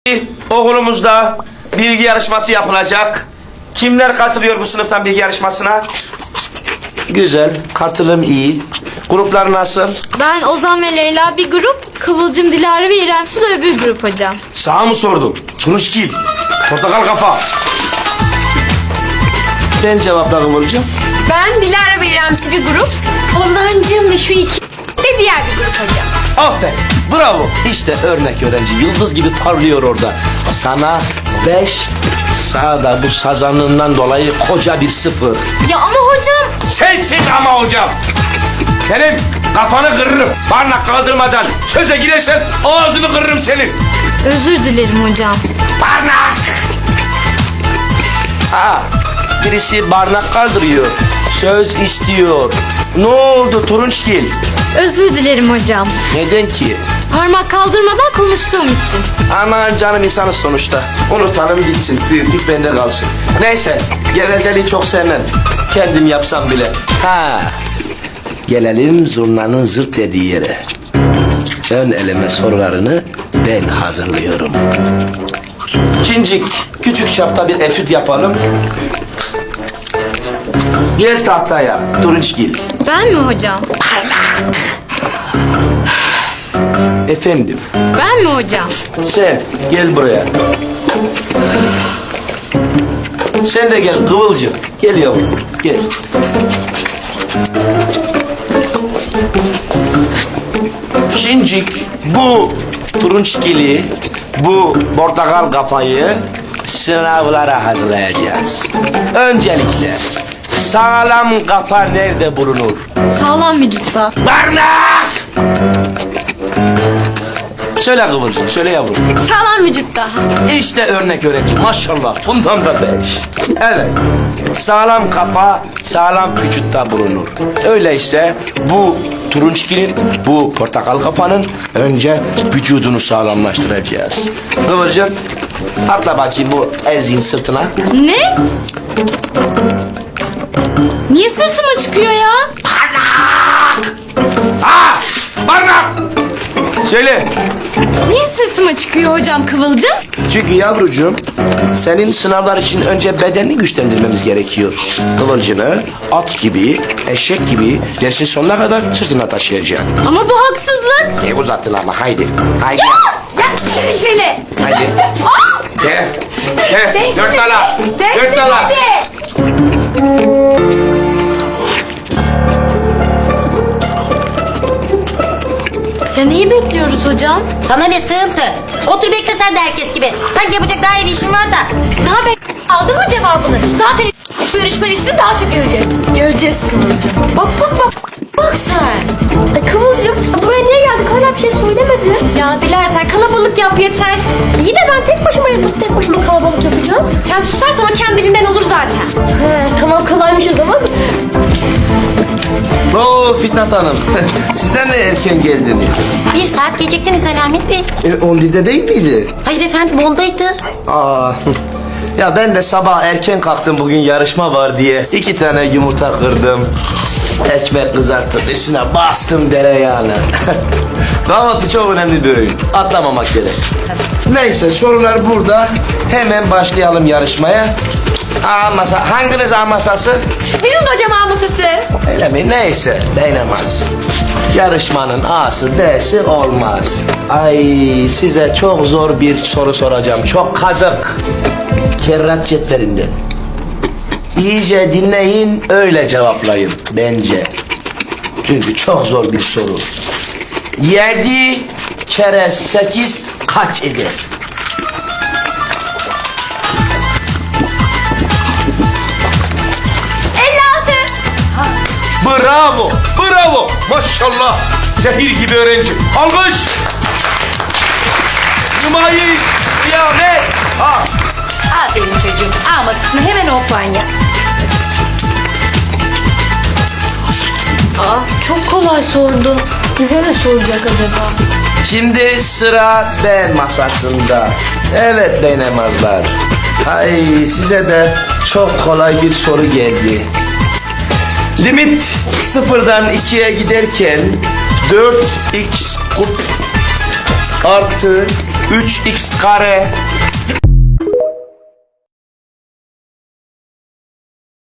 Okulumuzda bilgi yarışması yapılacak. Kimler katılıyor bu sınıftan bilgi yarışmasına? Güzel, katılım iyi. Gruplar nasıl? Ben Ozan ve Leyla bir grup, Kıvılcım, Dilara ve İrem Su da öbür grup hocam. Sana mı sordum? Turunçgil, portakal kafa. Sen cevapla Kıvılcım. Ben Dilara ve İrem Su bir grup, Ozancığım ve şu iki de diğer bir grup hocam. Aferin, bravo. İşte örnek öğrenci, yıldız gibi parlıyor orada. Sana 5, sana da bu sazanlığından dolayı koca bir 0. Ya ama hocam... Sensin ama hocam. Senin kafanı kırırım. Barnak kaldırmadan söze girersen ağzını kırırım senin. Özür dilerim hocam. Barnak! Ha, birisi barnak kaldırıyor. Söz istiyor. Ne oldu Turunçgil? Özür dilerim hocam. Neden ki? Parmak kaldırmadan konuştuğum için. Aman canım insanız sonuçta. Unutalım gitsin. Büyüklük bende kalsın. Neyse, gevezeliği çok sevmem. Kendim yapsam bile. Ha, gelelim zurnanın zırt dediği yere. Ön eleme sorularını ben hazırlıyorum. Cincik, küçük çapta bir etüt yapalım. Gel tahtaya, Turunçgil. Ben mi hocam? Efendim, Ben mi hocam? sen gel buraya. Sen de gel Kıvılcım. Gel yavrum, gel. Şincik, bu Turunçgil'i, bu portakal kafayı sınavlara hazırlayacağız. Öncelikle sağlam kafa nerede bulunur? Sağlam vücutta. Barnak! Söyle Kıvılcım, söyle yavrum. Sağlam vücutta. İşte örnek öğrenci, maşallah. Bundan da 5. Evet, sağlam kafa, sağlam vücutta bulunur. Öyleyse bu Turunçgil'in, bu portakal kafanın önce vücudunu sağlamlaştıracağız. Kıvılcım, atla bakayım bu ezin sırtına. Ne? Niye sırtıma çıkıyor ya? Ha! Barnak! Söyle. Niye sırtıma çıkıyor hocam Kıvılcım? Çünkü yavrucuğum, senin sınavlar için önce bedenini güçlendirmemiz gerekiyor. Kıvılcını at gibi, eşek gibi dersin sonuna kadar sırtına taşıyacaksın. Ama bu haksızlık. Uzattın ama haydi. Haydi. Ya seni. Haydi. Gel. Gel. Dört dala. Dört dala. Ya neyi bekliyoruz hocam? Sana ne sığıntı? Otur bekle sen de herkes gibi. Sanki yapacak daha iyi bir işin var da. Ne haber? Aldın mı cevabını? Zaten görüşme listesini daha çok göreceğiz. Göreceğiz Kıvılcım. Bak bak bak. Bak sen. Kıvılcım buraya niye geldik? Hala bir şey söylemedi. Ya Dilara sen kalabalık yap yeter. İyi de ben tek başıma yapısı tek başıma kalabalık yapacağım. Sen susarsan o kendiliğinden olur zaten. He, tamam kolaymış o zaman. Oo Fitnat Hanım. Sizden de erken geldiniz. 1 saat geciktiniz Selamet Bey. 10'da değil miydi? Hayır efendim 10'daydı. Aa. Ya ben de sabah erken kalktım, bugün yarışma var diye. 2 tane yumurta kırdım. Ekmek kızarttım, üstüne bastım dereyağını. Kahvaltı çok önemli bir öğün. Atlamamak gerek. Neyse, sorular burada. Hemen başlayalım yarışmaya. A masa. Hanginiz A masası? Bizim de hocam A masası. Öyle mi? Neyse, değinemez. Yarışmanın A'sı D'si olmaz. Ay, size çok zor bir soru soracağım. Çok kazık. Kerrat cetvelinden. İyice dinleyin, öyle cevaplayın bence. Çünkü çok zor bir soru. 7 kere 8 kaç eder? Bravo, bravo. Maşallah. Zehir gibi öğrenci. Alkış. Nümayiş, kıyamet. Ha. Aferin çocuğum. A masasını hemen o puan yaz. Çok kolay sordu. Bize ne soracak acaba? Şimdi sıra B masasında. Evet beynemazlar. Ay, size de çok kolay bir soru geldi. Limit sıfırdan 2'ye giderken 4x kub artı 3x kare